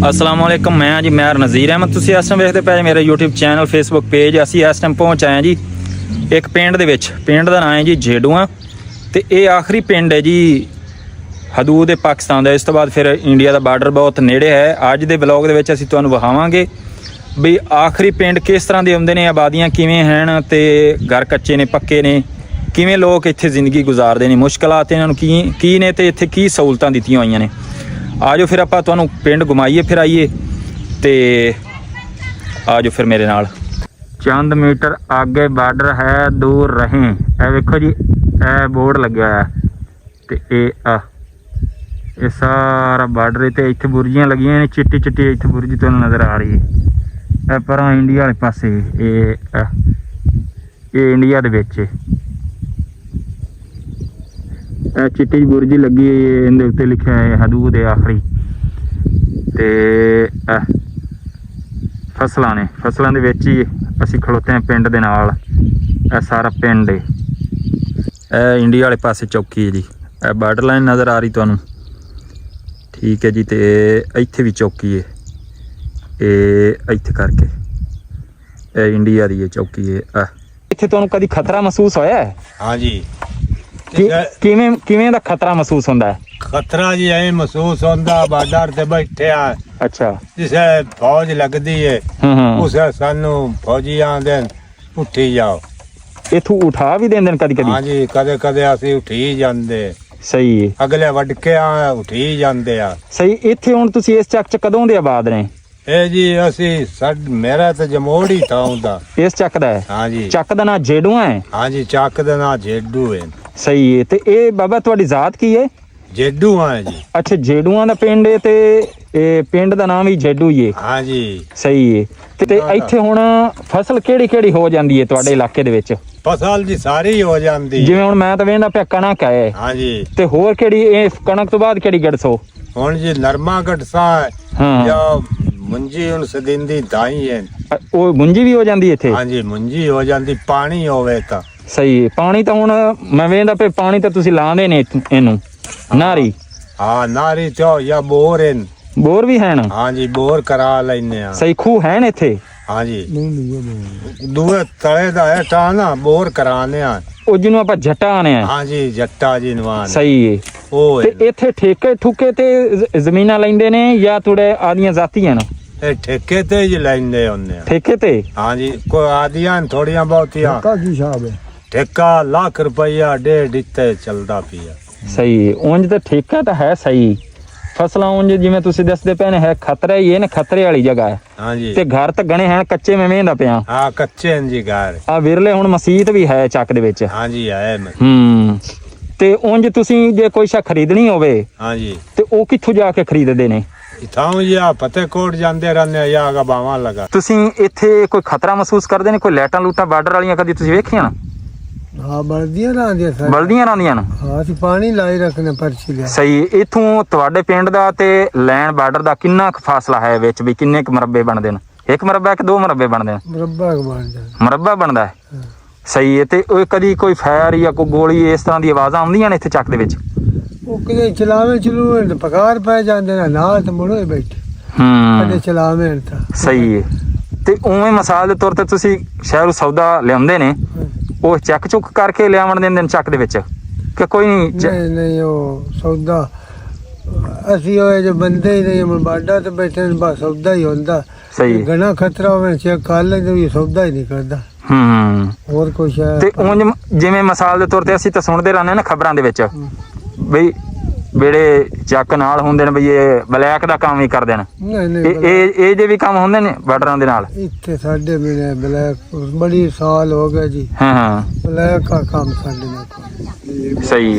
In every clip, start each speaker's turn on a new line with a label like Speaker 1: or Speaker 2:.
Speaker 1: असलामुअलैकुम, मैं जी मैर नज़ीर अहमद। तुसीं इस टाइम वेखदे पे मेरा यूट्यूब चैनल फेसबुक पेज। असीं इस टाइम पहुँच आए जी एक पिंड दे विच। पिंड दा नाम है जी जेडूआ ते ये आखिरी पिंड है जी हदूद है पाकिस्तान दा। इस तो बाद फिर इंडिया दा बार्डर बहुत नेड़े है। अज दे ब्लॉग दे विच असीं तुहानूं विखावांगे भी आखिरी पिंड किस तरह दे हुंदे ने, आबादियां किवें हैं ते घर कच्चे ने पक्के ने, किवें लोग इत्थे जिंदगी गुजारदे ने, मुश्किलात इन्हां नूं की ने ते इत्थे की सहूलतां दित्तियां होईयां ने। आजो फिर आपां तुहानूं पिंड घुमाइए फिराइए ते आजो फिर मेरे नाल। चंद मीटर आगे बार्डर है, दूर रहें। ए वेखो जी ए बोर्ड लग्या है ते ये सारा बार्डर ते इत्थे बुर्जियां लगियां ने, चिट्टी चिट्टी इत्थे बुर्जी तुहानूं नज़र आ रही है। पर इंडिया वाले पासे ये इंडिया दे विच चिट्टी बुर्जी लगी है, इहदे उत्ते लिखा है हदूद है आखिरी। ते फसलां ने, फसलां दे विच ही असीं खलोते हैं पिंड दे नाल। सारा पिंड है इंडिया वाले पासे चौकी है जी। बार्डर लाइन नज़र आ रही तुहानूं, ठीक है जी। ते इत्थे भी चौकी है, इत्थे करके इंडिया दी चौकी है। इत्थे तुहानूं कदी खतरा महसूस होया है? हाँ जी। किवें दा खतरा महसूस होंदा है?
Speaker 2: खतरा जी ऐ महसूस होंदा बार्डर ते बैठे आ।
Speaker 1: अच्छा।
Speaker 2: जिसे फौज लगदी है उसे सानू फौजी आंदे उठी जाओ।
Speaker 1: इथों उठा भी देंदे कदी कदी?
Speaker 2: हाँ जी, कदे कदे असीं उठी जांदे।
Speaker 1: सही है।
Speaker 2: अगले वडके आ उठी जांदे आ।
Speaker 1: सही। इत्थे हुण तुसीं इस ਚੱਕ 'ਚ कदों दे आबाद ने?
Speaker 2: ए जी असीं मेरा तो जमोड़ ही था उंदा।
Speaker 1: इस ਚੱਕ ਦਾ है?
Speaker 2: हाँ जी।
Speaker 1: ਚੱਕ ਦਾ ਨਾਂ जेडूआ है?
Speaker 2: हाँ जी, ਚੱਕ ਦਾ ਨਾਂ जेडू है।
Speaker 1: सही है। ते ए बाबा तुहाडी जात की है?
Speaker 2: जेडू है जी।
Speaker 1: अच्छा, जेडूआ दा पिंड है ते पिंड दा नाम ही जेडू ही है?
Speaker 2: हाँ जी।
Speaker 1: सही है। ते इत्थे हुण फसल केड़ी केड़ी हो जांदी है तुहाडे इलाके दे विच?
Speaker 2: फसल जी सारी हो जांदी।
Speaker 1: जिवें हुण मैं तां वेंदा पिया कणक है।
Speaker 2: हाँ जी।
Speaker 1: ते होर केड़ी कणक तो बाद केड़ी गड़सो?
Speaker 2: हुण जी नरमा गड़सा है।
Speaker 1: हाँ।
Speaker 2: या मुंजी हुण सदिंदी दाई है।
Speaker 1: ओ मुंजी भी हो जांदी इत्थे?
Speaker 2: हाँ जी, मुंजी हो जांदी पानी होवे तां।
Speaker 1: सही है। पानी तो हुण मैं वेंदा पे पानी तो तुसीं लांदे ने इनू नारी?
Speaker 2: हाँ, नारी तो या बोर है।
Speaker 1: बोर भी हैं?
Speaker 2: हाँ जी, बोर करा लेने आ।
Speaker 1: सही। खूह हैं इत्थे?
Speaker 2: हाँ जी। दूए तले दा है टा ना बोर कराने आ।
Speaker 1: ओ जिन्नू आपां जट्टा आने आ?
Speaker 2: हाँ जी, जट्टा जी नवान।
Speaker 1: सही है।
Speaker 2: ओ
Speaker 1: ते इत्थे ठेके ठुके ते जमीनां लैंदे ने या थोड़े आदियां जातियां न?
Speaker 2: ए ठेके ते ही लैंदे होने।
Speaker 1: ठेके ते?
Speaker 2: हाँ जी, कोई आदियां थोड़ियां बहुतियां।
Speaker 3: ठेका की हिसाब है?
Speaker 2: ठेका लाख रुपया डेढ़ इत्ते चलदा पिया।
Speaker 1: सही है। उंज ते ठेका तो है सही। फसलां उंज जिवें तुसीं दसदे पे ने है खतरा ही है ना, खतरे वाली जगह है।
Speaker 2: हाँ जी।
Speaker 1: ते घर तो गणे हैं कच्चे में वेंदा पिया।
Speaker 2: हाँ, कच्चे हैं जी घर।
Speaker 1: आ विरले हुण मसीत भी है ਚੱਕ ਦੇ ਵਿੱਚ।
Speaker 2: हाँ जी है।
Speaker 1: ਤੇ ਉੰਜ ਤੁਸੀਂ ਜੇ ਕੋਈ ਸ਼ਾ ਖਰੀਦਣੀ ਹੋਵੇ
Speaker 2: हाँ जी।
Speaker 1: ਤੇ ਉਹ ਕਿੱਥੋਂ ਜਾ ਕੇ ਖਰੀਦਦੇ ਨੇ?
Speaker 2: इथां या फतेहकोट जांदे रहने या गबावा लगा।
Speaker 1: ਤੁਸੀਂ ਇੱਥੇ ਕੋਈ ਖਤਰਾ ਮਹਿਸੂਸ ਕਰਦੇ ਨੇ? ਕੋਈ ਲੈਟਾਂ ਲੂਟਾਂ ਬਾਰਡਰ ਵਾਲੀਆਂ ਕਦੀ ਤੁਸੀਂ ਵੇਖੀਆਂ ਨਾ?
Speaker 3: हाँ, बल्दियां रहंदियां सर।
Speaker 1: ਬਲਦੀਆਂ ਰਹਿੰਦੀਆਂ ਨੇ?
Speaker 3: हाँ, ਅਸੀਂ ਪਾਣੀ ਲਾਈ ਰੱਖਨੇ ਪਰਚੀ ਲਿਆ।
Speaker 1: ਸਹੀ। ਇਥੋਂ ਤੁਹਾਡੇ ਪਿੰਡ ਦਾ ਤੇ ਲੈਣ ਬਾਰਡਰ ਦਾ ਕਿੰਨਾ ਕੁ ਫਾਸਲਾ ਹੈ ਵਿੱਚ ਵੀ? ਕਿੰਨੇ ਕੁ ਮਰਬੇ ਬਣਦੇ ਨੇ? ਇੱਕ ਮਰਬਾ ਕਿ ਦੋ ਮਰਬੇ ਬਣਦੇ ਨੇ?
Speaker 3: ਮੁਰੱਬਾ ਬਣ ਜਾਂਦਾ।
Speaker 1: ਮਰਬਾ ਬਣਦਾ ਹੈ। ਸਹੀ ਹੈ। ਤੇ ਉਹ ਕਦੀ ਕੋਈ ਫਾਇਰ ਜਾਂ ਕੋਈ ਗੋਲੀ ਇਸ ਤਰ੍ਹਾਂ ਦੀ ਆਵਾਜ਼ਾਂ ਆਉਂਦੀਆਂ ਨੇ ਇੱਥੇ ਚੱਕ ਦੇ ਵਿੱਚ?
Speaker 3: ਉਹ ਕਿਤੇ ਚਲਾਵੇ ਚਲੂਏ ਤੇ ਪਕਾਰ ਪੈ ਜਾਂਦੇ ਨੇ ਨਾਲ ਤੇ ਮੁੜੇ ਬੈਠੇ। ਕਦੇ ਚਲਾਵੇ ਤਾਂ।
Speaker 1: ਸਹੀ ਹੈ। ਤੇ ਉਵੇਂ ਮਿਸਾਲ ਦੇ ਤੌਰ ਤੇ ਤੁਸੀਂ ਸ਼ਹਿਰੋਂ ਸੌਦਾ ਲਿਆਉਂਦੇ ਨੇ, ਉਹ ਚੱਕ ਚੁੱਕ ਕਰਕੇ ਲਿਆਵਣ ਦਿੰਦੇ ਨੇ ਚੱਕ ਦੇ ਵਿੱਚ ਕਿ ਕੋਈ
Speaker 3: ਨਹੀਂ? ਨਹੀਂ, ਉਹ ਸੌਦਾ ਅਸੀਂ ਉਹ ਜੇ ਬੰਦੇ ਹੀ ਨਹੀਂ ਬਾਡਾ ਤੇ ਬੈਠੇ ਨੇ, ਬਸ ਸੌਦਾ ਹੀ ਹੁੰਦਾ।
Speaker 1: ਸਹੀ।
Speaker 3: ਘਣਾ ਖਤਰਾ ਹੋਵੇ ਚੈੱਕ ਕਰ ਲੈਂਦੇ ਵੀ ਸੌਦਾ ਹੀ ਨਹੀਂ ਕਰਦਾ। ਹੋਰ ਕੁਛ ਹੈ
Speaker 1: ਤੇ ਉਂਝ ਜਿਵੇਂ ਮਿਸਾਲ ਦੇ ਤੌਰ ਤੇ ਅਸੀਂ ਤਾਂ ਸੁਣਦੇ ਰਹਿੰਦੇ ਨਾ ਖਬਰਾਂ ਦੇ ਵਿੱਚ ਬਈ ਜਿਹੜੇ ਚੱਕ ਨਾਲ ਹੁੰਦੇ ਨੇ ਬਈ ਇਹ ਬਲੈਕ ਦਾ ਕੰਮ ਹੀ ਕਰਦੇ ਨੇ।
Speaker 3: ਨਹੀਂ ਨਹੀਂ,
Speaker 1: ਇਹ ਜੇ ਵੀ ਕੰਮ ਹੁੰਦੇ ਨੇ ਬਾਰਡਰਾਂ ਦੇ ਨਾਲ?
Speaker 3: ਇੱਥੇ ਸਾਡੇ ਮਿਲੇ ਬਲੈਕ ਬੜੀ ਸਾਲ ਹੋ ਗਏ ਜੀ।
Speaker 1: ਹਾਂ।
Speaker 3: ਬਲੈਕ ਦਾ ਕੰਮ ਸਾਡੇ ਨਾਲ।
Speaker 1: ਸਹੀ।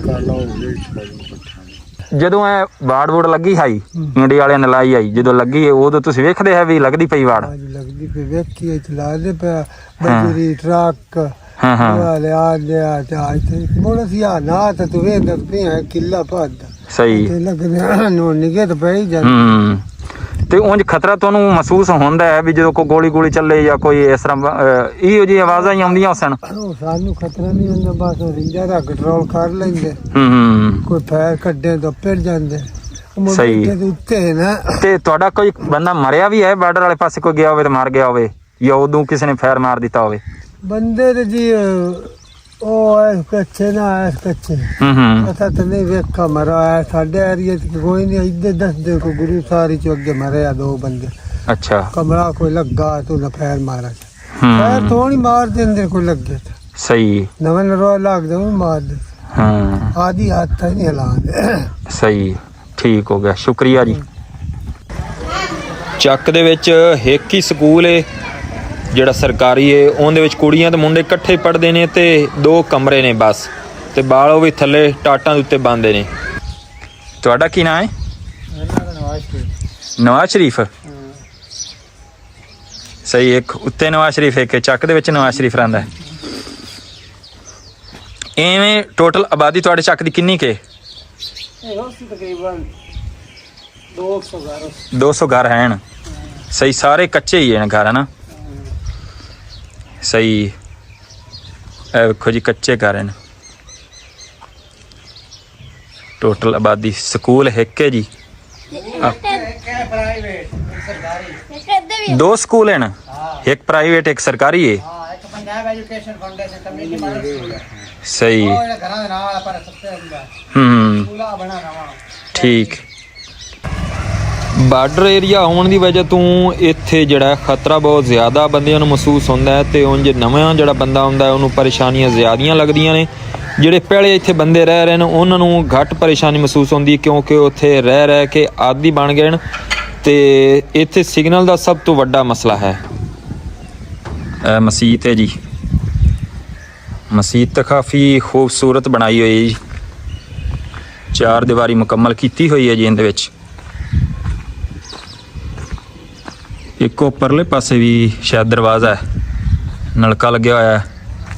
Speaker 1: ਜਦੋਂ ਇਹ ਵਾੜ ਵੂੜ ਲੱਗੀ ਹਾਈ ਇੰਡੀਆ ਵਾਲਿਆਂ ਨੇ ਲਾਈ ਆਈ, ਜਦੋਂ ਲੱਗੀ ਉਦੋਂ ਤੁਸੀਂ ਵੇਖਦੇ ਹੈ ਵੀ ਲੱਗਦੀ ਪਈ ਵਾੜ?
Speaker 3: ਲੱਗਦੀ ਪਈ ਵੇਖੀ ਚਲਾ ਦੇ ਪਿਆ ਬਜਰੀ ਟਰੱਕ। ਵਾਲੇ ਆ ਲਿਆ ਤੇ ਇੱਥੇ ਮੋੜ ਸੀ ਆ ਨਾ ਤੇ ਤੂੰ ਵੇਖ ਪਿਆ ਕਿੱਲਾ ਪਾਦਾ।
Speaker 1: ਸਹੀ।
Speaker 3: ਤੇ ਲੱਗਦੇ ਨੂੰ ਨਿਗੇ ਤੇ ਪਈ ਜਾਂਦੀ।
Speaker 1: ਤੇ ਉਂਝ ਖਤਰਾ ਤੁਹਾਨੂੰ ਮਹਿਸੂਸ ਹੁੰਦਾ ਹੈ ਵੀ ਜਦੋਂ ਕੋਈ ਗੋਲੀ ਗੋਲੀ ਚੱਲੇ ਜਾਂ ਕੋਈ ਇਸ ਤਰ੍ਹਾਂ ਇਹੋ ਜਿਹੀ ਆਵਾਜ਼ਾਂ ਹੀ ਆਉਂਦੀਆਂ ਸਨ?
Speaker 3: ਸਾਨੂੰ ਖਤਰਾ ਨਹੀਂ ਹੁੰਦਾ, ਬਸ ਰਿੰਜਾ ਦਾ ਕੰਟਰੋਲ ਕਰ ਲੈਂਦੇ। ਕੋਈ ਫਾਇਰ ਕੱਢੇ ਤਾਂ ਫਿਰ ਜਾਂਦੇ।
Speaker 1: ਸਹੀ।
Speaker 3: ਉੱਤੇ ਹੈ ਨਾ।
Speaker 1: ਤੇ ਤੁਹਾਡਾ ਕੋਈ ਬੰਦਾ ਮਰਿਆ ਵੀ ਹੈ ਬਾਰਡਰ ਵਾਲੇ ਪਾਸੇ, ਕੋਈ ਗਿਆ ਹੋਵੇ ਤੇ ਮਰ ਗਿਆ ਹੋਵੇ, ਜਾਂ ਉਦੋਂ ਕਿਸੇ ਨੇ ਫੈਰ ਮਾਰ ਦਿੱਤਾ ਹੋਵੇ?
Speaker 3: ਬੰਦੇ ਤੇ ਜੀ ਉਹ ਐ ਕੱਚੇ ਨਾ ਐ ਕੱਚੇ ਪਤਾ ਤਾਂ ਨਹੀਂ ਵੇਖਾ ਮਰਾ ਹੈ ਸਾਡੇ ਏਰੀਏ ਚ ਕੋਈ ਨਹੀਂ। ਇੱਧਰ ਦੱਸਦੇ ਕੋ ਗੁਰੂ ਸਾਰੀ ਚ ਅੱਗੇ ਮਰਿਆ 2 ਬੰਦੇ।
Speaker 1: ਅੱਛਾ।
Speaker 3: ਕਮਰਾ ਕੋਈ ਲੱਗਾ ਤੂੰ ਨਾ ਫੈਰ ਮਾਰਾ ਫੈਰ ਥੋੜੀ ਮਾਰ ਦਿੰਦੇ ਕੋਈ ਲੱਗੇ ਤਾਂ।
Speaker 1: ਸਹੀ।
Speaker 3: ਨਵੇਂ ਨਰਵਾ ਲੱਗਦਾ ਉਹ ਮਾਰ ਦੇ। ਆਦੀ ਹੱਥ ਨਹੀਂ ਹਿਲਾਉਂਦੇ।
Speaker 1: ਸਹੀ, ਠੀਕ ਹੋ ਗਿਆ, ਸ਼ੁਕਰੀਆ ਜੀ। ਚੱਕ ਦੇ ਵਿੱਚ ਇੱਕ ਹੀ ਸਕੂਲ ਏ ਜਿਹੜਾ ਸਰਕਾਰੀ ਏ, ਉਹਦੇ ਵਿੱਚ ਕੁੜੀਆਂ ਤੇ ਮੁੰਡੇ ਇਕੱਠੇ ਪੜ੍ਹਦੇ ਨੇ ਤੇ 2 ਕਮਰੇ ਨੇ ਬਸ, ਤੇ ਬਾਲ ਉਹ ਵੀ ਥੱਲੇ ਟਾਟਾਂ ਦੇ ਉੱਤੇ ਬੰਨਦੇ ਨੇ। ਤੁਹਾਡਾ ਕੀ ਨਾਂ ਹੈ? ਨਵਾਜ਼ ਸ਼ਰੀਫ। ਸਹੀ, ਇੱਕ ਉੱਤੇ ਨਵਾਜ਼ ਸ਼ਰੀਫ, ਇੱਕ ਚੱਕ ਦੇ ਵਿੱਚ ਨਵਾਜ਼ ਸ਼ਰੀਫ ਰਹਿੰਦਾ। ਐਵੇਂ ਟੋਟਲ ਆਬਾਦੀ ਤੁਹਾਡੇ ਚੱਕ ਦੀ ਕਿੰਨੀ ਕੇ?
Speaker 3: ਤਕਰੀਬਨ
Speaker 1: 200 ਘਰ ਹਨ। ਸਹੀ, ਸਾਰੇ ਕੱਚੇ ਹੀ ਹਨ ਘਰ, ਹੈ ਨਾ? ਸਹੀ, ਇਹ ਵੇਖੋ ਜੀ ਕੱਚੇ ਘਰ ਹਨ। ਟੋਟਲ ਆਬਾਦੀ ਸਕੂਲ ਇੱਕ ਹੈ ਜੀ। 2 ਸਕੂਲ ਹਨ, ਇੱਕ ਪ੍ਰਾਈਵੇਟ ਇੱਕ ਸਰਕਾਰੀ ਹੈ। ਸਹੀ। ਠੀਕ। ਬਾਰਡਰ ਏਰੀਆ ਹੋਣ ਦੀ ਵਜ੍ਹਾ ਤੋਂ ਇੱਥੇ ਜਿਹੜਾ ਖਤਰਾ ਬਹੁਤ ਜ਼ਿਆਦਾ ਬੰਦਿਆਂ ਨੂੰ ਮਹਿਸੂਸ ਹੁੰਦਾ ਹੈ, ਤੇ ਉਂਝ ਨਵਾਂ ਜਿਹੜਾ ਬੰਦਾ ਹੁੰਦਾ ਹੈ ਉਹਨੂੰ ਪਰੇਸ਼ਾਨੀਆਂ ਜ਼ਿਆਦੀਆਂ ਲੱਗਦੀਆਂ ਨੇ। ਜਿਹੜੇ ਪਹਿਲੇ ਇੱਥੇ ਬੰਦੇ ਰਹਿ ਰਹੇ ਨੇ ਉਹਨਾਂ ਨੂੰ ਘੱਟ ਪਰੇਸ਼ਾਨੀ ਮਹਿਸੂਸ ਹੁੰਦੀ, ਕਿਉਂਕਿ ਉੱਥੇ ਰਹਿ ਕੇ ਆਦੀ ਬਣ ਗਏ ਨੇ। ਤੇ ਇੱਥੇ ਸਿਗਨਲ ਦਾ ਸਭ ਤੋਂ ਵੱਡਾ ਮਸਲਾ ਹੈ। ਮਸੀਤ ਹੈ ਜੀ, ਮਸੀਤ ਤਾਂ ਕਾਫੀ ਖੂਬਸੂਰਤ ਬਣਾਈ ਹੋਈ ਹੈ ਜੀ, 4 ਦੀਵਾਰੀ ਮੁਕੰਮਲ ਕੀਤੀ ਹੋਈ ਹੈ ਜੀ। ਇਹਦੇ ਵਿੱਚ ਇੱਕ ਉੱਪਰਲੇ ਪਾਸੇ ਵੀ ਸ਼ਾਇਦ ਦਰਵਾਜ਼ਾ ਹੈ, ਨਲਕਾ ਲੱਗਿਆ ਹੋਇਆ ਹੈ।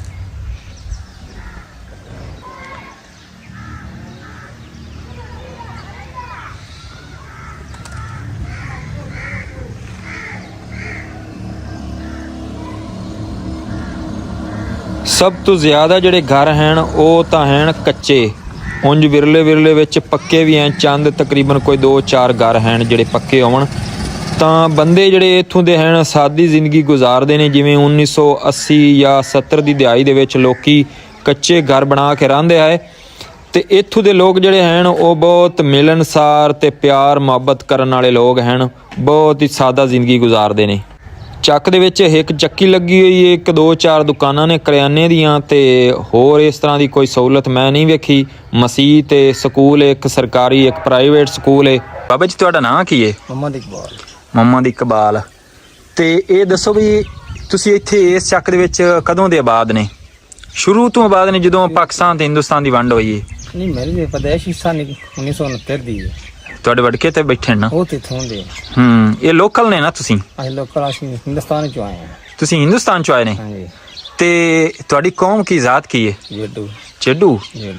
Speaker 1: ਸਭ ਤੋਂ ਜ਼ਿਆਦਾ ਜਿਹੜੇ ਘਰ ਹਨ ਉਹ ਤਾਂ ਹਨ ਕੱਚੇ, ਉਂਝ ਵਿਰਲੇ ਵਿੱਚ ਪੱਕੇ ਵੀ ਹਨ। ਚੰਦ ਤਕਰੀਬਨ ਕੋਈ 2-4 ਘਰ ਹਨ ਜਿਹੜੇ ਪੱਕੇ ਹੋਣ। ਤਾਂ ਬੰਦੇ ਜਿਹੜੇ ਇੱਥੋਂ ਦੇ ਹਨ ਸਾਦੀ ਜ਼ਿੰਦਗੀ ਗੁਜ਼ਾਰਦੇ ਨੇ, ਜਿਵੇਂ 1980 ਜਾਂ 70 ਦੀ ਦਿਹਾਈ ਦੇ ਵਿੱਚ ਲੋਕੀ ਕੱਚੇ ਘਰ ਬਣਾ ਕੇ ਰਹਿੰਦੇ ਆਏ। ਤੇ ਇੱਥੋਂ ਦੇ ਲੋਕ ਜਿਹੜੇ ਹਨ ਉਹ ਬਹੁਤ ਮਿਲਣਸਾਰ ਤੇ ਪਿਆਰ ਮੁਹੱਬਤ ਕਰਨ ਵਾਲੇ ਲੋਕ ਹਨ, ਬਹੁਤ ਹੀ ਸਾਦਾ ਜ਼ਿੰਦਗੀ ਗੁਜ਼ਾਰਦੇ ਨੇ। ਚੱਕ ਦੇ ਵਿੱਚ ਇੱਕ ਚੱਕੀ ਲੱਗੀ ਹੋਈ ਹੈ, 1-2-4 ਦੁਕਾਨਾਂ ਨੇ ਕਰਿਆਨੇ ਦੀਆਂ, ਤੇ ਹੋਰ ਇਸ ਤਰ੍ਹਾਂ ਦੀ ਕੋਈ ਸਹੂਲਤ ਮੈਂ ਨਹੀਂ ਵੇਖੀ। ਮਸੀਤ ਤੇ ਸਕੂਲ, ਇੱਕ ਸਰਕਾਰੀ ਇੱਕ ਪ੍ਰਾਈਵੇਟ ਸਕੂਲ ਹੈ। ਬਾਬਾ ਜੀ ਤੁਹਾਡਾ ਨਾਂ ਕੀ ਹੈ?
Speaker 3: ਮੁਹੰਮਦ ਇਕਬਾਲ।
Speaker 1: ਮੁਹੰਮਦ ਇਕਬਾਲ। ਤੇ ਇਹ ਦੱਸੋ ਵੀ ਤੁਸੀਂ ਇੱਥੇ ਇਸ ਚੱਕ ਦੇ ਵਿੱਚ ਕਦੋਂ ਦੇ ਆਬਾਦ ਨੇ? ਸ਼ੁਰੂ ਤੋਂ ਆਬਾਦ ਨੇ ਜਦੋਂ ਪਾਕਿਸਤਾਨ ਤੇ ਹਿੰਦੁਸਤਾਨ ਦੀ ਵੰਡ ਹੋਈ ਹੈ?
Speaker 3: ਨਹੀਂ, ਮੇਰੀ ਪਦੈਸ਼ੀ ਸਾਲ 1969 ਦੀ ਹੈ।
Speaker 1: ਤੁਹਾਡੇ ਵੜਕੇ ਤੇ ਬੈਠੇ ਨਾ?
Speaker 3: ਉਹ ਤੇ ਇਥੋਂ ਦੇ।
Speaker 1: ਇਹ ਲੋਕਲ ਨੇ ਨਾ ਤੁਸੀਂ?
Speaker 3: ਅਸੀਂ ਲੋਕਲ, ਅਸੀਂ ਹਿੰਦੁਸਤਾਨ ਚੋਂ ਆਏ ਹਾਂ।
Speaker 1: ਤੁਸੀਂ ਹਿੰਦੁਸਤਾਨ ਚੋਂ ਆਏ ਨੇ?
Speaker 3: ਹਾਂਜੀ।
Speaker 1: ਤੇ ਤੁਹਾਡੀ ਕੌਮ ਕੀ ਜ਼ਾਤ ਕੀ ਹੈ?
Speaker 3: ਜੱਡੂ।
Speaker 1: ਚੱਡੂ।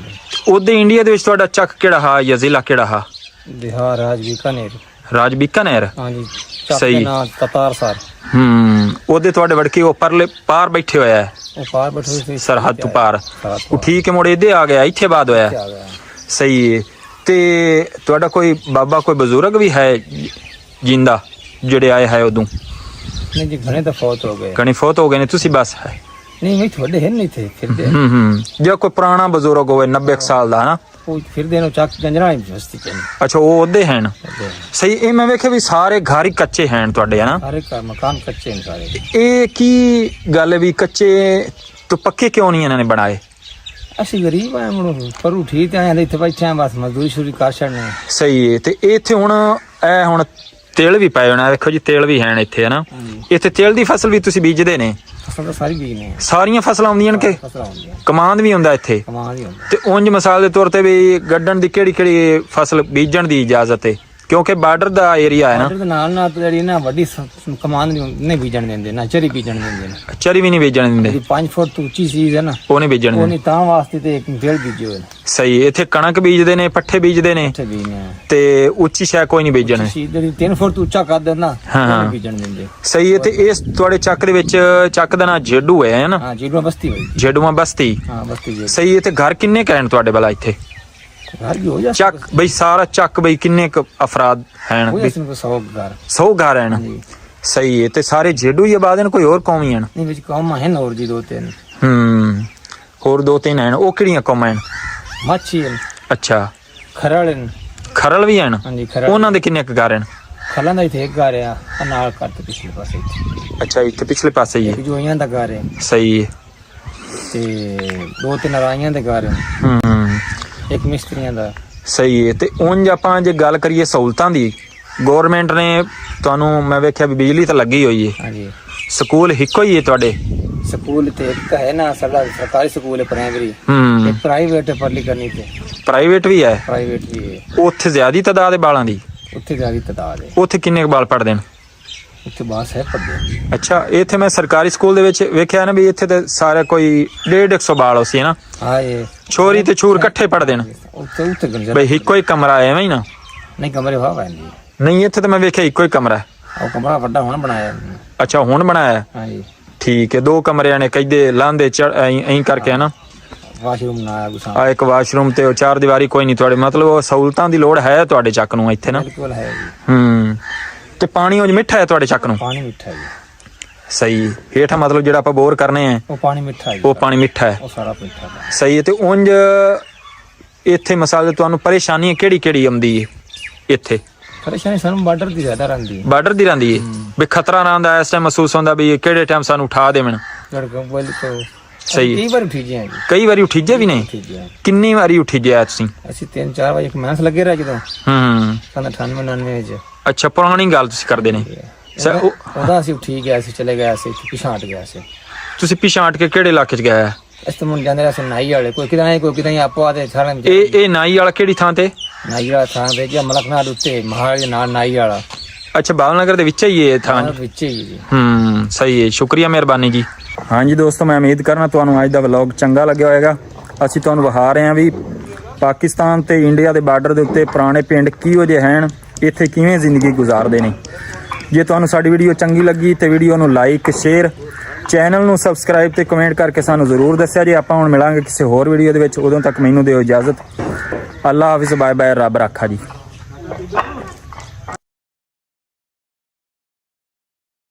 Speaker 1: ਉਹਦੇ ਇੰਡੀਆ ਦੇ ਵਿੱਚ ਤੁਹਾਡਾ ਚੱਕ ਕਿਹੜਾ ਹਾ ਜਾਂ ਜ਼ਿਲ੍ਹਾ ਕਿਹੜਾ ਹਾ?
Speaker 3: ਬਿਹਾਰ, ਰਾਜ ਬੀਕਾਨੇਰ।
Speaker 1: ਰਾਜ ਬੀਕਾਨੇਰ।
Speaker 3: ਹਾਂਜੀ।
Speaker 1: ਸਹੀ।
Speaker 3: ਤਤਾਰ ਸਰ।
Speaker 1: ਉਹਦੇ ਤੁਹਾਡੇ ਵੜਕੇ ਉਹ ਪਰਲੇ ਪਾਰ ਬੈਠੇ ਹੋਇਆ ਹੈ?
Speaker 3: ਉਹ ਪਾਰ ਬੈਠੇ ਸੀ
Speaker 1: ਸਰਹੱਦ ਤੋਂ ਪਾਰ। ਉਹ ਠੀਕ ਹੈ, ਮੁੜ ਇਹਦੇ ਆ ਗਿਆ, ਇੱਥੇ ਬਾਅਦ ਹੋਇਆ। ਸਹੀ ਹੈ। ਤੇ ਤੁਹਾਡਾ ਕੋਈ ਬਾਬਾ ਕੋਈ ਬਜ਼ੁਰਗ ਵੀ ਹੈ ਜਿੰਦਾ ਜਿਹੜੇ ਆਏ ਹੈ ਉਦੋਂ?
Speaker 3: ਨਹੀਂ ਜੀ, ਘਣੇ ਤਾਂ ਫੌਤ ਹੋ ਗਏ।
Speaker 1: ਘਣੇ ਫੌਤ ਹੋ ਗਏ ਨੇ, ਤੁਸੀਂ ਬਸ ਹੈ?
Speaker 3: ਨਹੀਂ, ਮੈਂ ਤੁਹਾਡੇ ਹੈ ਨਹੀਂ ਥੇ ਫਿਰਦੇ।
Speaker 1: ਜੇ ਕੋਈ ਪੁਰਾਣਾ ਬਜ਼ੁਰਗ ਹੋਵੇ 90 ਸਾਲ ਦਾ, ਹਨਾ,
Speaker 3: ਉਹ ਫਿਰਦੇ ਨੇ ਚੱਕ ਗੰਜਰਾ ਹੀ ਬਸਤੀ ਚ।
Speaker 1: ਅੱਛਾ, ਉਹ ਉਹਦੇ ਹਨ। ਸਹੀ। ਇਹ ਮੈਂ ਵੇਖਿਆ ਵੀ ਸਾਰੇ ਘਰ ਹੀ ਕੱਚੇ ਹਨ ਤੁਹਾਡੇ, ਹਨਾ?
Speaker 3: ਸਾਰੇ ਘਰ ਮਕਾਨ ਕੱਚੇ ਨੇ ਸਾਰੇ।
Speaker 1: ਇਹ ਕੀ ਗੱਲ ਹੈ ਵੀ ਕੱਚੇ ਤੋਂ ਪੱਕੇ ਕਿਉਂ ਨਹੀਂ ਇਹਨਾਂ ਨੇ ਬਣਾਏ?
Speaker 3: ਅਸੀਂ ਗਰੀਬ ਆਏ ਮੁੜ ਪਰ ਉਠੀ ਤੇ ਆਏ ਇੱਥੇ ਬੈਠੇ ਆ, ਬਸ ਮਜ਼ਦੂਰੀ ਸ਼ੁਰੂ ਕਰ ਛੱਡਨੇ।
Speaker 1: ਸਹੀ ਹੈ। ਤੇ ਇੱਥੇ ਹੁਣ ਇਹ ਹੁਣ ਤੇਲ ਵੀ ਪਏ ਹੋਣਾ, ਵੇਖੋ ਜੀ ਤੇਲ ਵੀ ਹਨ ਇੱਥੇ, ਹਨਾ? ਇੱਥੇ ਤੇਲ ਦੀ ਫਸਲ ਵੀ ਤੁਸੀਂ ਬੀਜਦੇ ਨੇ?
Speaker 3: ਫਸਲ ਤਾਂ ਸਾਰੀ ਬੀਜਨੇ।
Speaker 1: ਸਾਰੀਆਂ ਫਸਲਾਂ ਆਉਂਦੀਆਂ ਨੇ ਕਿ ਕਮਾਂਦ ਵੀ ਹੁੰਦਾ ਇੱਥੇ?
Speaker 3: ਕਮਾਂਦ ਵੀ ਹੁੰਦਾ।
Speaker 1: ਤੇ ਉਂਝ ਮਿਸਾਲ ਦੇ ਤੌਰ ਤੇ ਵੀ ਗੱਡਣ ਦੀ ਕਿਹੜੀ ਫਸਲ ਬੀਜਣ ਦੀ ਇਜਾਜ਼ਤ ਹੈ? ਕਿਉਂਕਿ ਬਾਰਡਰ ਦਾ ਏਰੀਆ ਹੈ ਨਾ।
Speaker 3: ਬਾਰਡਰ ਦੇ ਨਾਲ ਜਿਹੜੀ ਨਾ ਵੱਡੀ ਕਮਾਂਦ ਨਹੀਂ ਬੀਜਣ ਦਿੰਦੇ, ਨਾ ਚਰੀ ਬੀਜਣ ਦਿੰਦੇ ਨੇ।
Speaker 1: ਚਰੀ ਵੀ ਨਹੀਂ ਬੀਜਣ ਦਿੰਦੇ?
Speaker 3: 5 ਫੁੱਟ ਤੋਂ ਉੱਚੀ ਚੀਜ਼ ਹੈ ਨਾ, ਉਹ
Speaker 1: ਨਹੀਂ ਬੀਜਣ ਦਿੰਦੇ।
Speaker 3: ਤਾਂ ਵਾਸਤੇ ਤੇ ਇੱਕ ਵੇਲ ਬੀਜੇ ਹੋਏ।
Speaker 1: ਸਹੀ। ਇੱਥੇ ਕਣਕ ਬੀਜਦੇ ਨੇ, ਪੱਠੇ ਬੀਜਦੇ ਨੇ, ਤੇ ਉੱਚੀ ਸ਼ੈ ਕੋਈ ਨਹੀਂ ਬੀਜਣ।
Speaker 3: ਜਿਹੜੀ 3 ਫੁੱਟ ਉੱਚਾ ਕਰ ਦੇਣਾ, ਉਹ ਬੀਜਣ ਦਿੰਦੇ।
Speaker 1: ਸਹੀ ਹੈ। ਤੇ ਇਸ ਤੁਹਾਡੇ ਚੱਕ ਦੇ ਵਿੱਚ ਚੱਕ ਦਾ ਨਾਂ ਜੇਡੂ ਹੈ ਨਾ?
Speaker 3: ਹਾਂ, ਜੇਡੂਆ ਬਸਤੀ ਹੋਈ।
Speaker 1: ਜੇਡੂਆ ਬਸਤੀ।
Speaker 3: ਹਾਂ, ਬਸਤੀ।
Speaker 1: ਸਹੀ ਹੈ। ਤੇ ਘਰ ਕਿੰਨੇ ਕਹਿਣ ਤੁਹਾਡੇ ਵਾਲਾ ਇੱਥੇ?
Speaker 4: घर भी हो जा
Speaker 1: ਚੱਕ ਬਈ ਸਾਰਾ ਚੱਕ ਬਈ ਕਿੰਨੇ ਕੁ ਅਫਰਾਦ ਹਨ
Speaker 4: हो
Speaker 1: ਵੀ
Speaker 4: जा 100 घर
Speaker 1: 100 ਘਰ ਹਨ
Speaker 4: जी
Speaker 1: ਸਹੀ ਹੈ ਤੇ ਸਾਰੇ ਜੇਡੂ ਹੀ ਆਬਾਦ ਹਨ ਕੋਈ ਹੋਰ ਕੌਮ ਹੀ ਹਨ
Speaker 4: नहीं बिच कम है और जी 2-3
Speaker 1: ਹੋਰ ਦੋ ਤਿੰਨ ਹਨ ਉਹ ਕਿਹੜੀਆਂ ਕੌਮਾਂ ਹਨ
Speaker 4: मच्छी है
Speaker 1: ਅੱਛਾ
Speaker 4: खरड़ है
Speaker 1: ਖਰਲ ਵੀ ਹਨ
Speaker 4: हाँ जी खरड़
Speaker 1: ਉਹਨਾਂ ਦੇ ਕਿੰਨੇ ਕੁ ਘਰ ਹਨ
Speaker 4: खलन ਦਾ ਇੱਥੇ ਇੱਕ ਘਰ ਆ ਆਹ ਨਾਲ ਕਰਤੇ ਪਿਛਲੇ ਪਾਸੇ ਇੱਥੇ
Speaker 1: ਅੱਛਾ ਇੱਥੇ ਪਿਛਲੇ ਪਾਸੇ ਹੀ
Speaker 4: ਇੱਕ
Speaker 1: ਹੈ
Speaker 4: ਜੋਈਆਂ ਦਾ ਘਰ ਹੈ
Speaker 1: ਸਹੀ ਹੈ
Speaker 4: ਤੇ 2-3 ਰਾਈਆਂ ਦੇ ਘਰ ਹੈ ਇੱਕ ਮਿਸਤਰੀਆਂ ਦਾ
Speaker 1: ਸਹੀ ਹੈ ਤੇ ਉਂਝ ਆਪਾਂ ਜੇ ਗੱਲ ਕਰੀਏ ਸਹੂਲਤਾਂ ਦੀ ਗਵਰਨਮੈਂਟ ਨੇ ਤੁਹਾਨੂੰ ਮੈਂ ਵੇਖਿਆ ਵੀ ਬਿਜਲੀ ਤਾਂ ਲੱਗੀ ਹੋਈ ਹੈ
Speaker 4: ਹਾਂਜੀ
Speaker 1: ਸਕੂਲ ਇੱਕੋ ਹੀ ਹੈ ਤੁਹਾਡੇ
Speaker 4: ਸਕੂਲ ਤੇ ਇੱਕ ਹੈ ਨਾ ਸਾਡਾ ਸਰਕਾਰੀ ਸਕੂਲ ਹੈ ਪ੍ਰਾਇਮਰੀ ਇੱਕ ਪ੍ਰਾਈਵੇਟ ਹੈ ਪੜ੍ਹਲੀ ਕਰਨੀ ਤੇ
Speaker 1: ਪ੍ਰਾਈਵੇਟ ਵੀ ਹੈ
Speaker 4: ਪ੍ਰਾਈਵੇਟ ਵੀ ਹੈ
Speaker 1: ਉੱਥੇ ਜ਼ਿਆਦੀ ਤਾਦਾਦ ਹੈ ਬਾਲਾਂ ਦੀ
Speaker 4: ਉੱਥੇ ਜ਼ਿਆਦਾ ਤਾਦਾਦ ਹੈ
Speaker 1: ਉੱਥੇ ਕਿੰਨੇ ਕੁ ਬਾਲ ਪੜਦੇ ਨੇ
Speaker 4: ਉੱਥੇ ਬਾਸ ਹੈ ਪੜ੍ਹਦੇ
Speaker 1: ਅੱਛਾ ਇੱਥੇ ਮੈਂ ਸਰਕਾਰੀ ਸਕੂਲ ਦੇ ਵਿੱਚ ਵੇਖਿਆ ਨਾ ਵੀ ਇੱਥੇ ਤੇ ਸਾਰੇ ਕੋਈ 150 ਬਾਲ ਹੋ ਸੀ ਨਾ
Speaker 4: ਹਾਂ ਇਹ
Speaker 1: ਛੋਰੀ ਤੇ ਛੂਰ ਇਕੱਠੇ ਪੜਦੇ ਨੇ
Speaker 4: ਉੱਥੇ ਗੰਜਾ
Speaker 1: ਬਈ ਇੱਕੋ ਹੀ ਕਮਰਾ ਐਵੇਂ ਹੀ ਨਾ
Speaker 4: ਨਹੀਂ ਕਮਰੇ ਵਾਹ ਪੈਂਦੀ
Speaker 1: ਨਹੀਂ ਇੱਥੇ ਤਾਂ ਮੈਂ ਵੇਖਿਆ ਇੱਕੋ ਹੀ ਕਮਰਾ ਹੈ।
Speaker 4: ਉਹ ਕਮਰਾ ਵੱਡਾ ਹੁਣ ਬਣਾਇਆ
Speaker 1: ਅੱਛਾ ਹੁਣ ਬਣਾਇਆ ਹੈ?
Speaker 4: ਹਾਂਜੀ
Speaker 1: ਠੀਕ ਹੈ ਦੋ ਕਮਰਿਆਂ ਨੇ ਕਹਿੰਦੇ ਲਾਂਦੇ ਐਂ ਕਰਕੇ ਹੈ ਨਾ
Speaker 4: ਵਾਸ਼ਰੂਮ ਬਣਾਇਆ ਗੁਸਾ
Speaker 1: ਆ ਇੱਕ ਵਾਸ਼ਰੂਮ ਤੇ ਉਹ ਚਾਰ ਦੀਵਾਰੀ ਕੋਈ ਨਹੀਂ ਤੁਹਾਡੇ ਮਤਲਬ ਉਹ ਸਹੂਲਤਾਂ ਦੀ ਲੋੜ ਹੈ ਤੁਹਾਡੇ ਚੱਕ ਨੂੰ ਇੱਥੇ ਨਾ
Speaker 4: ਬਿਲਕੁਲ ਹੈ ਜੀ
Speaker 1: ਤੇ ਪਾਣੀ ਉਹ ਮਿੱਠਾ ਹੈ ਤੁਹਾਡੇ ਚੱਕ ਨੂੰ
Speaker 4: ਪਾਣੀ ਮਿੱਠਾ ਹੈ ਜੀ
Speaker 1: ਸਹੀ ਹੇਠਾਂ ਮਤਲਬ ਜਿਹੜਾ ਆਪਾਂ ਬੋਰ ਕਰਨੇ ਆ
Speaker 4: ਉਹ ਪਾਣੀ ਮਿੱਠਾ ਹੈ ਜੀ
Speaker 1: ਉਹ ਪਾਣੀ ਮਿੱਠਾ ਹੈ
Speaker 4: ਉਹ ਸਾਰਾ ਮਿੱਠਾ ਹੈ
Speaker 1: ਸਹੀ ਹੈ ਤੇ ਉਂਝ ਇੱਥੇ ਮਸਾਲੇ ਤੁਹਾਨੂੰ ਪਰੇਸ਼ਾਨੀ ਕਿਹੜੀ ਕਿਹੜੀ ਆਉਂਦੀ ਹੈ ਇੱਥੇ
Speaker 4: ਪਰੇਸ਼ਾਨੀ ਸਾਨੂੰ ਬਾਰਡਰ ਦੀ ਜ਼ਿਆਦਾ ਰਹਿੰਦੀ ਹੈ
Speaker 1: ਬਾਰਡਰ ਦੀ ਰਹਿੰਦੀ ਹੈ ਵੀ ਖਤਰਾ ਨਾ ਆਉਂਦਾ ਇਸ ਟਾਈਮ ਮਹਿਸੂਸ ਹੁੰਦਾ ਵੀ ਇਹ ਕਿਹੜੇ ਟਾਈਮ ਸਾਨੂੰ ਉਠਾ ਦੇਵਣ
Speaker 4: ਲੜਕੋਂ ਬੋਲ ਤੋਂ
Speaker 1: ਸਹੀ
Speaker 4: ਕਈ ਵਾਰ ਉਠੀ ਜੀ ਜੀ
Speaker 1: ਕਈ ਵਾਰੀ ਉਠੀਜੇ ਵੀ ਨਹੀਂ
Speaker 4: ਉਠੀ ਜੀ
Speaker 1: ਕਿੰਨੀ ਵਾਰੀ ਉਠੀਜੇ ਆ ਤੁਸੀਂ
Speaker 4: ਅਸੀਂ 3-4 ਵਜੇ ਕਮੈਂਸ ਲੱਗੇ ਰਹੇ ਜਦੋਂ ਸਨ 98-99 ਵਿੱਚ
Speaker 1: ਅੱਛਾ ਪੁਰਾਣੀ ਗੱਲ ਤੁਸੀਂ ਕਰਦੇ ਨੇ ਸਰ
Speaker 4: ਉਹਦਾ ਅਸੀਂ ਉਠੀ ਗਏ ਅਸੀਂ ਚਲੇ ਗਏ ਅਸੀਂ ਪਿਛਾਂਟ ਗਏ ਸੀ
Speaker 1: ਤੁਸੀਂ ਪਿਛਾਂਟ ਕੇ ਕਿਹੜੇ ਇਲਾਕੇ 'ਚ ਗਏ ਆ
Speaker 4: ਇਸ ਤੋਂ ਮੁੰਡੇ ਜਾਂਦੇ ਰਹੇ ਸੀ ਨਾਈ ਵਾਲੇ ਕੋਈ ਕਿਦਾਂ ਆਪੋ ਆਦੇ ਸਾਰਿਆਂ
Speaker 1: ਇਹ ਨਾਈ ਵਾਲਾ ਕਿਹੜੀ ਥਾਂ ਤੇ
Speaker 4: ਨਾਈ ਵਾਲਾ ਥਾਂ ਤੇ ਜਾਂ ਮਲਕਨਾਥ ਉੱਤੇ ਮਹਾਰਾਜ ਦੇ ਨਾਲ ਨਾਈ ਵਾਲਾ
Speaker 1: ਅੱਛਾ ਬਾਲਨਗਰ ਦੇ ਵਿੱਚ ਹੀ ਇਹ ਥਾਂ
Speaker 4: ਵਿੱਚ ਹੀ ਜੀ
Speaker 1: ਸਹੀ ਹੈ ਸ਼ੁਕਰੀਆ ਮਿਹਰਬਾਨੀ ਜੀ ਹਾਂਜੀ ਦੋਸਤੋ ਮੈਂ ਉਮੀਦ ਕਰਨਾ ਤੁਹਾਨੂੰ ਅੱਜ ਦਾ ਵਲੌਗ ਚੰਗਾ ਲੱਗਿਆ ਹੋਵੇਗਾ ਅਸੀਂ ਤੁਹਾਨੂੰ ਵਿਖਾ ਰਹੇ ਹਾਂ ਵੀ ਪਾਕਿਸਤਾਨ ਤੇ ਇੰਡੀਆ ਦੇ ਬਾਰਡਰ ਦੇ ਉੱਤੇ ਪੁਰਾਣੇ ਪਿੰਡ ਕਿਹੋ ਜਿਹੇ ਹਨ ਇੱਥੇ ਕਿਵੇਂ ਜ਼ਿੰਦਗੀ ਗੁਜ਼ਾਰਦੇ ਨੇ ਜੇ ਤੁਹਾਨੂੰ ਸਾਡੀ ਵੀਡੀਓ ਚੰਗੀ ਲੱਗੀ ਤੇ ਵੀਡੀਓ ਨੂੰ ਲਾਈਕ ਸ਼ੇਅਰ ਚੈਨਲ ਨੂੰ ਸਬਸਕ੍ਰਾਈਬ ਤੇ ਕਮੈਂਟ ਕਰਕੇ ਸਾਨੂੰ ਜ਼ਰੂਰ ਦੱਸਿਆ ਜੀ ਆਪਾਂ ਹੁਣ ਮਿਲਾਂਗੇ ਕਿਸੇ ਹੋਰ ਵੀਡੀਓ ਦੇ ਵਿੱਚ ਉਦੋਂ ਤੱਕ ਮੈਨੂੰ ਦਿਓ ਇਜਾਜ਼ਤ ਅੱਲਾ ਹਾਫਿਜ਼ ਬਾਏ ਬਾਏ ਰੱਬ ਰਾਖਾ ਜੀ